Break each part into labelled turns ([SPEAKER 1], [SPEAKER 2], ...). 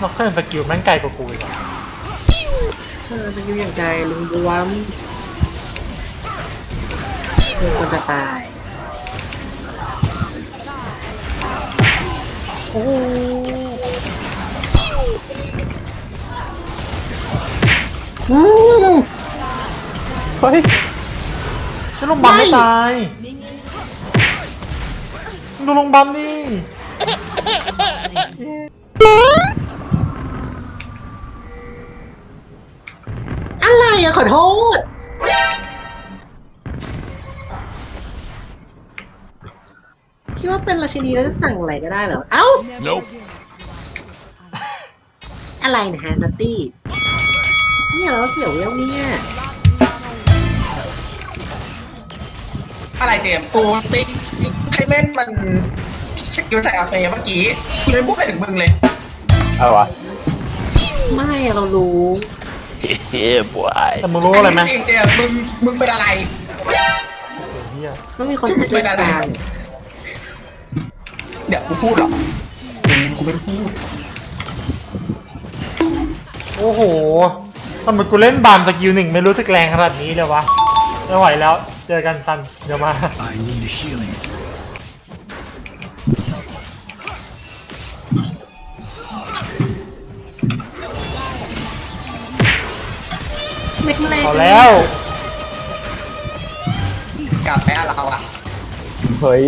[SPEAKER 1] นอกจากสกิลแม่งไกลกว่ากูอีกอะ
[SPEAKER 2] สกิลอย่างใจลุงบวมคือคนจะตายโอ้
[SPEAKER 1] เฮ้ยฉันลงบัมไม่ตายดูลงบัมนี่
[SPEAKER 2] อะไรอะขอโทษคิดว่าเป็นราชินีแล้วจะสั่งอะไรก็ได้เหรอเอ้า
[SPEAKER 3] Nope.
[SPEAKER 2] อะไรนะฮะนัตตี้เนี่ยเราเสียวเวลเนี่ย
[SPEAKER 4] อะไรเจมส์กูติ๊กไคเม่นมันสกิลใส่อาเฟเมื่อกี้กูเลยพูดไปถึงมึงเลย
[SPEAKER 5] อะไรวะ
[SPEAKER 2] ไม่อะเรารู้
[SPEAKER 5] เฮ้ยบวย
[SPEAKER 1] แต่มึงรู้อะไรไหม
[SPEAKER 4] จริงๆเจมส์มึงเป็นอะไร
[SPEAKER 1] เฮีย
[SPEAKER 2] ต้องมีคนจัดการ
[SPEAKER 4] เดี๋ยวกูพูดหรอกเจมส์กูไม่พูด
[SPEAKER 1] โอ้โหทำไมกูเล่นบามสกิลหนึ่งไม่รู้สึกแรงขนาดนี้เลยวะไม่ไหวแล้วเจอกันซันเดี๋ยวมา
[SPEAKER 3] I need healing.
[SPEAKER 2] เล็กๆ
[SPEAKER 1] พอแล้ว
[SPEAKER 4] กลับไปอะเราอะ
[SPEAKER 5] เฮ้ย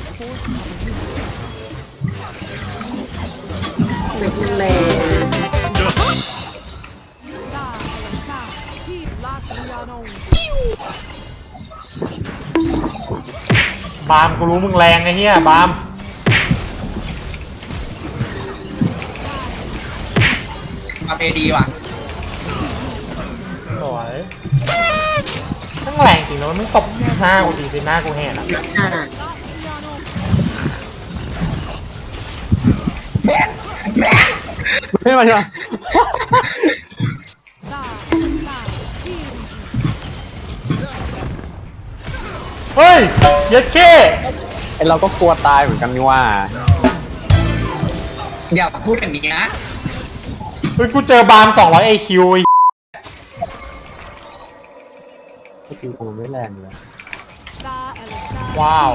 [SPEAKER 2] เล็ก
[SPEAKER 1] บามกูรู้มึงแรงไอ้เหี้ยบาม
[SPEAKER 4] อาเฟดีว่ะ
[SPEAKER 1] สวยทั้งแรงจริงนะมันไม่ตบหน้ากูดีสิหน้ากูแหกอะ
[SPEAKER 2] ๆอ่า
[SPEAKER 4] แม่แม่
[SPEAKER 5] ไม่มาใช่ไหม
[SPEAKER 1] เฮ้ยเย็ดเข้
[SPEAKER 5] ไอเราก็กลัวตายเหมือนกันนี่ว่า
[SPEAKER 4] อย่าพูดอย่างนี้นะ
[SPEAKER 1] เฮ้ยกูเจอบาม200 IQ ไอ้
[SPEAKER 5] สกิลกูไม่แรงเลย
[SPEAKER 1] ว้าว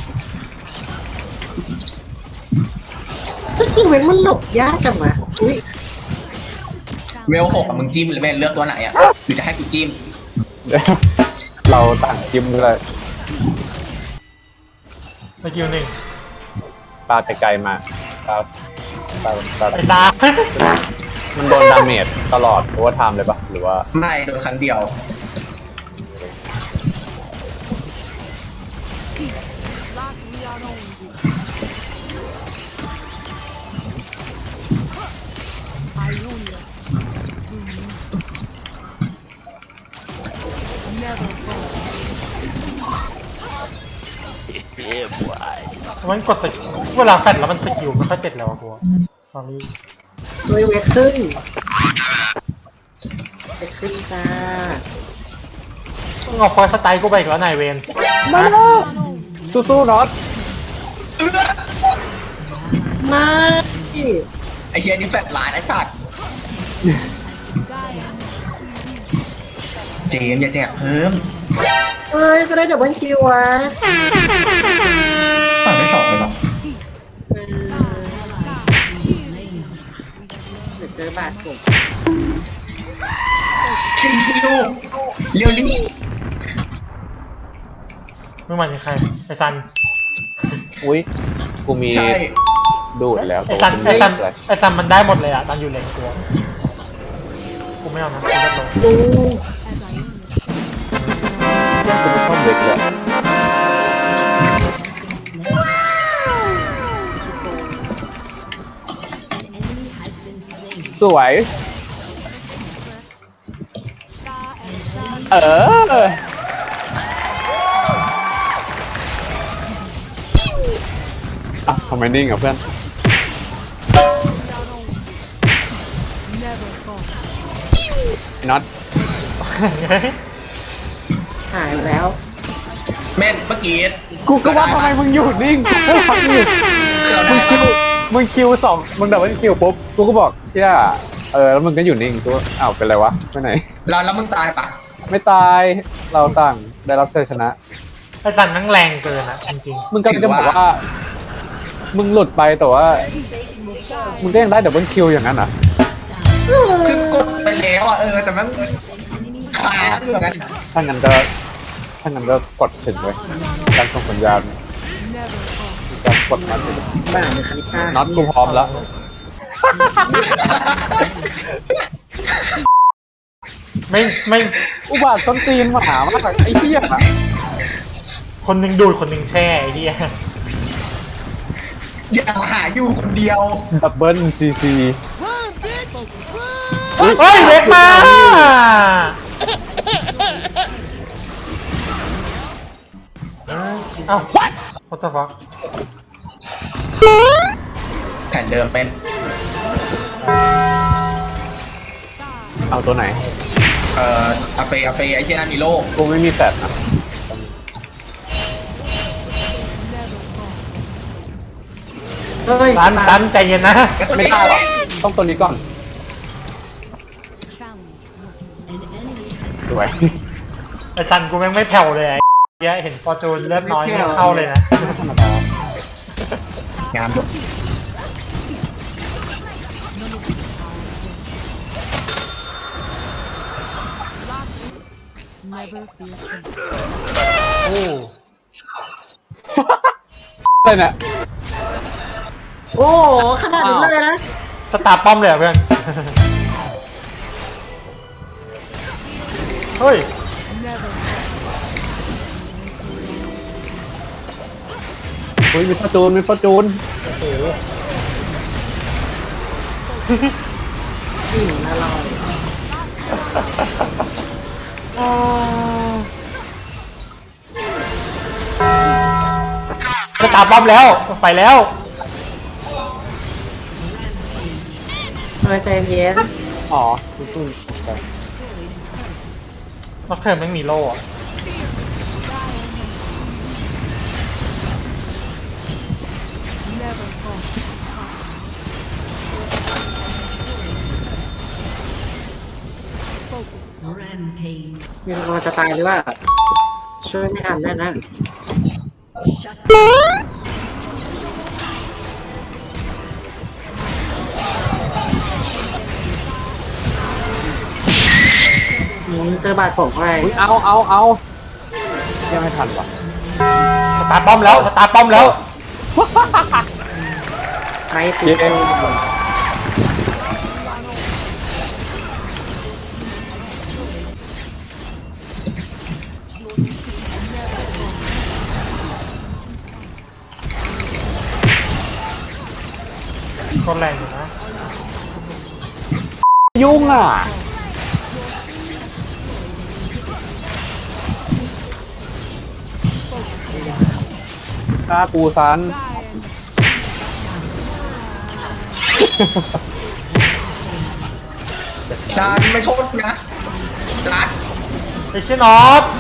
[SPEAKER 2] สกิลเว้นมันหลบยากจังวะอุ้ย
[SPEAKER 4] เวล6อะมึงจิ้มหรือไม่เลือกตัวไหนอะหรือจะให้กูจิ้ม
[SPEAKER 5] เราต่างจิ้มเลย
[SPEAKER 1] สกิลหนึ่ง
[SPEAKER 5] ปลาไกลๆมาปลาปลา
[SPEAKER 1] ไอ้ตา
[SPEAKER 5] มันโดนดาเมจตลอดโอเวอร์ไทม์เลยปะหรือว่า
[SPEAKER 4] ไม่โดนครั้งเดียว
[SPEAKER 1] มันกดสกิลเวลาแฟดแล้วมันสกิลไม่ค่อยเจ็ดแล้วอะกูตอนนี้
[SPEAKER 2] ด้วยเวทขึ้นเวทขึ้นจ้า
[SPEAKER 1] ต้องเอาฟอยสไตล์กูไปอีกแล้วนายเวน
[SPEAKER 5] มาสู้ๆน็อต
[SPEAKER 2] ไม่
[SPEAKER 4] ไอเฮียนี่แฟลตไลน์ไอ้สัตว์เจมส์อย่าแจกเพิ่ม
[SPEAKER 2] เฮ้ยก็ได้ดับเบิลคิววะ
[SPEAKER 4] ฝั่งไม่สองเลยหรอ
[SPEAKER 2] เดี๋ยวเจอบาดผม
[SPEAKER 4] คิวเรียวลี่
[SPEAKER 1] มึงหมายถึงใครไอ้ซัน
[SPEAKER 5] อุ้ยกูมี
[SPEAKER 4] ใช่
[SPEAKER 5] ดูดแล้ว
[SPEAKER 1] ไอ้ซัน
[SPEAKER 5] แต่ว่า
[SPEAKER 1] ไอ้ซันมันได้หมดเลยอะตอนอยู่เลนตัวกูไม่เอานะกูเล่นลง
[SPEAKER 2] ดู
[SPEAKER 5] กูไม่ชอบเด็กเลยสวย เออ อ่ะทำไมนิ่งอ่ะเพื่อนไอ้น็อต
[SPEAKER 2] หายไปแล้ว
[SPEAKER 4] แม่นเมื่อกี้
[SPEAKER 5] กูก็ว่าทำไมมึงอยู่นิ่งไม่ฟังอยู่
[SPEAKER 4] คือเราได้
[SPEAKER 5] มึงคิว
[SPEAKER 4] ปะ
[SPEAKER 5] มึงคิวสองมึงดับเบิลคิวปุ๊บกูก็บอกเชี่ยแล้วมึงก็อยู่นิ่งกูอ้าวเป็นไรวะไปไหน
[SPEAKER 4] แล้วมึงตายปะ
[SPEAKER 5] ไม่ตายเราต่างได้รับชัยชนะ
[SPEAKER 1] ไอ้สันนั่งแรงเกินอะจริง
[SPEAKER 5] มึงกำลังจะบอกว่า มึงหลุดไปแต่ว่า มึงก็ยังได้ดับเบิลคิวอย่างนั้นเหรอ
[SPEAKER 4] คือกดไปแล้วอ่ะแต่มันขาดอยู่กัน
[SPEAKER 5] ถ้างั้นก็กดถึงเลยการส่งสัญญาณการกดมาถึง
[SPEAKER 2] บ้านเลยคาริต้า
[SPEAKER 5] น็อตกูพร้อมแล้ว
[SPEAKER 1] ๆไม่
[SPEAKER 5] อุบาทต้นตีนหมามากไอ้เหี้ย
[SPEAKER 1] คนหนึ่งดูดคนหนึ่งแช่ไอ้เหี้ย
[SPEAKER 4] อย่าหาอยู่คนเดียว
[SPEAKER 5] ดับเบิลซีซี
[SPEAKER 1] เฮ้ยเวกมาเอ้า what the fuck
[SPEAKER 4] แผนเดิมเป็น
[SPEAKER 5] เอาตัวไหน
[SPEAKER 4] อาเฟไอเชียนามิโล
[SPEAKER 5] กูไม่มีแฟดนะ
[SPEAKER 2] เฮ้ย
[SPEAKER 1] สันใจเย็นนะ
[SPEAKER 5] ไม่ได้หรอกต้องตัวนี้ก่อนสวย
[SPEAKER 1] ไอ้สันกูแม่งไม่แผ่วเลยไอ้เหี้ยเห็นฟอร์จูนเลือดน้อยไม่เข้าเลยนะ
[SPEAKER 5] ธรรมดาง
[SPEAKER 4] ามอยู่
[SPEAKER 1] โอ้
[SPEAKER 5] อะไรเนี่ย
[SPEAKER 2] โอ้โหขนาดนี้เลยนะ
[SPEAKER 1] สตาร์ป้อมเลยเหรอเพื่อน เฮ้ย
[SPEAKER 5] เฮ้ยมีฟอร์จูนมีฟอร์จูน
[SPEAKER 2] อิ่มอร่อย
[SPEAKER 1] สตาร์ป้อมแล้วไปแล้ว
[SPEAKER 2] เฮ้ยใจเย็น
[SPEAKER 5] อ๋อตุ้น
[SPEAKER 1] น็อกเทิร์นแม่งมีโล่อะ
[SPEAKER 2] มีคนจะตายหรือว่า ช่วยไม่ทันแน่นะเจอบาดผมไป
[SPEAKER 5] อุ๊ยเอายังไม่ทันว่ะ
[SPEAKER 1] สตาร์ป้อมแล้วสตาร์ป้อมแล้ว
[SPEAKER 2] ไปติดเลย
[SPEAKER 1] คนแรงอยู่นะ
[SPEAKER 5] ยุ่งอ่ะฆ่าปูซัน
[SPEAKER 4] ชาญไม่โทษนะรัด
[SPEAKER 1] ไอเชนอต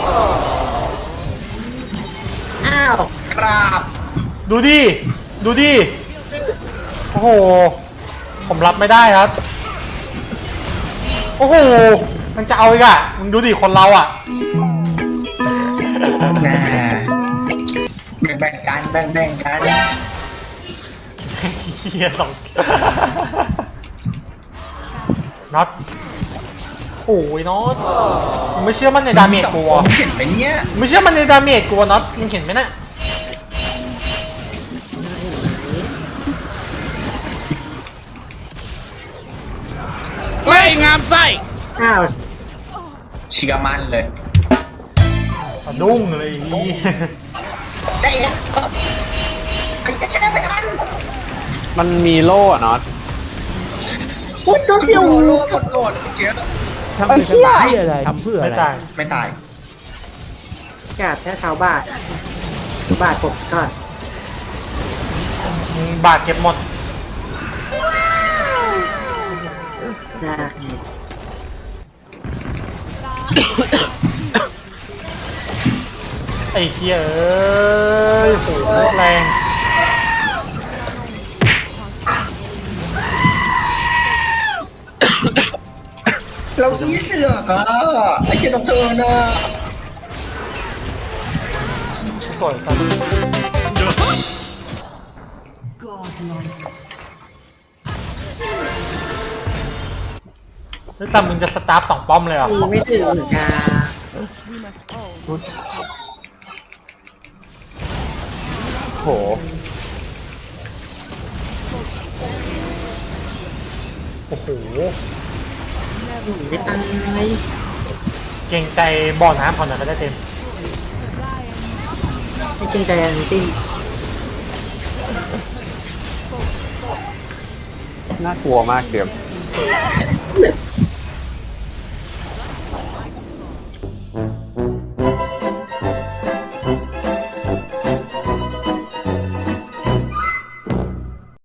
[SPEAKER 2] อ้าว
[SPEAKER 4] กราบ
[SPEAKER 1] ดูดิ ดูดิ โอ้โห ผมรับไม่ได้ครับ โอ้โห มันจะเอาอีกอะมึงดูดิคนเราอะ
[SPEAKER 4] แน่แบ่งกันแบ่งกัน
[SPEAKER 1] เฮียสองน็อตโอ้ยน็อตมึงไม่เชื่อมันในดาเมจกู
[SPEAKER 4] ผ
[SPEAKER 1] อะ
[SPEAKER 4] มเห็นไปเนี้ย
[SPEAKER 1] มึงไม่เชื่อมันในดาเมจกูอะน็อตมึงเห็นไหมน่ะ
[SPEAKER 3] ไม่งามไส้
[SPEAKER 2] อ้าว
[SPEAKER 4] เชื่อมั่นเลย
[SPEAKER 1] สะดุ้งเลยไอ้เหี้ย
[SPEAKER 4] ใจเย็นไอ้แช่ไปทัน
[SPEAKER 5] มันมีโล่อะน็อต
[SPEAKER 2] พูดตัวเดียว
[SPEAKER 4] โลโกรธเมื่อกี้
[SPEAKER 3] ทำเพื่ออะไร ทำเพื่อ
[SPEAKER 1] ไม่
[SPEAKER 3] อะไร
[SPEAKER 1] ตาย
[SPEAKER 4] ไม่ตาย
[SPEAKER 2] กาดแค่เท้าบาดบาดผมก่อน
[SPEAKER 1] มึงบาดเก็บหมด
[SPEAKER 2] ได้
[SPEAKER 1] ไอ้เหี้ยเอ้ยโหแรง
[SPEAKER 4] เสือกอ่ะไอ้เกียร์น้องเธอน่ะ
[SPEAKER 1] สวยซันแล้วซันมึงจะสตาร์ฟ2 ป้อมเลยเหรอ
[SPEAKER 2] มีไม่ถึงเหมือนกัน
[SPEAKER 5] โห
[SPEAKER 1] โอ้โห
[SPEAKER 2] ไม่ตาย
[SPEAKER 1] เก่งใจบ่อน้ำเขาหน่อยก็ได้เต็ม
[SPEAKER 2] ไม่เกรงใจอะไรจริง
[SPEAKER 5] น่ากลัวมากเกม
[SPEAKER 2] เหลือ